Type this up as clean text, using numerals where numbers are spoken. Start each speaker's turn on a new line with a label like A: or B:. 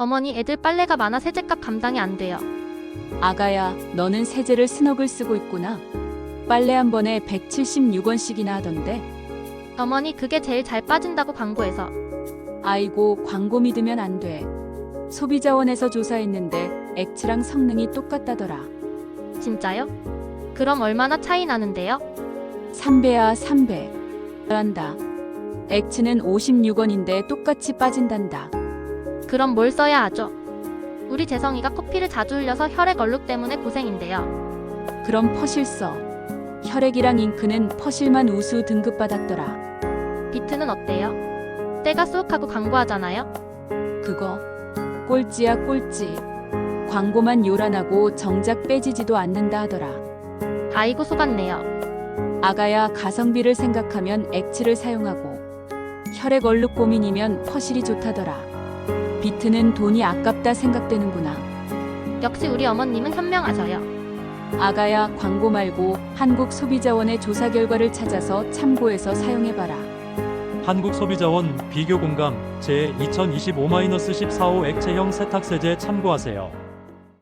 A: 어머니, 애들 빨래가 많아 세제값 감당이 안 돼요.
B: 아가야, 너는 세제를 스너글 쓰고 있구나. 빨래 한 번에 176원씩이나 하던데.
A: 어머니, 그게 제일 잘 빠진다고 광고해서.
B: 아이고, 광고 믿으면 안 돼. 소비자원에서 조사했는데 액츠랑 성능이 똑같다더라.
A: 진짜요? 그럼 얼마나 차이 나는데요?
B: 3배야, 3배. 한다. 액츠는 56원인데 똑같이 빠진단다.
A: 그럼 뭘 써야 하죠? 우리 재성이가 커피를 자주 흘려서 혈액 얼룩 때문에 고생인데요.
B: 그럼 퍼실 써. 혈액이랑 잉크는 퍼실만 우수 등급 받았더라.
A: 비트는 어때요? 때가 쏙하고 광고하잖아요?
B: 그거 꼴찌야, 꼴찌. 광고만 요란하고 정작 빼지지도 않는다 하더라.
A: 아이고, 속았네요.
B: 아가야, 가성비를 생각하면 액츠를 사용하고 혈액 얼룩 고민이면 퍼실이 좋다더라. 비트는 돈이 아깝다 생각되는구나.
A: 역시 우리 어머님은 현명하셔요.
B: 아가야, 광고 말고 한국소비자원의 조사 결과를 찾아서 참고해서 사용해봐라.
C: 한국소비자원 비교공감 제 2025-14호 액체형 세탁세제 참고하세요.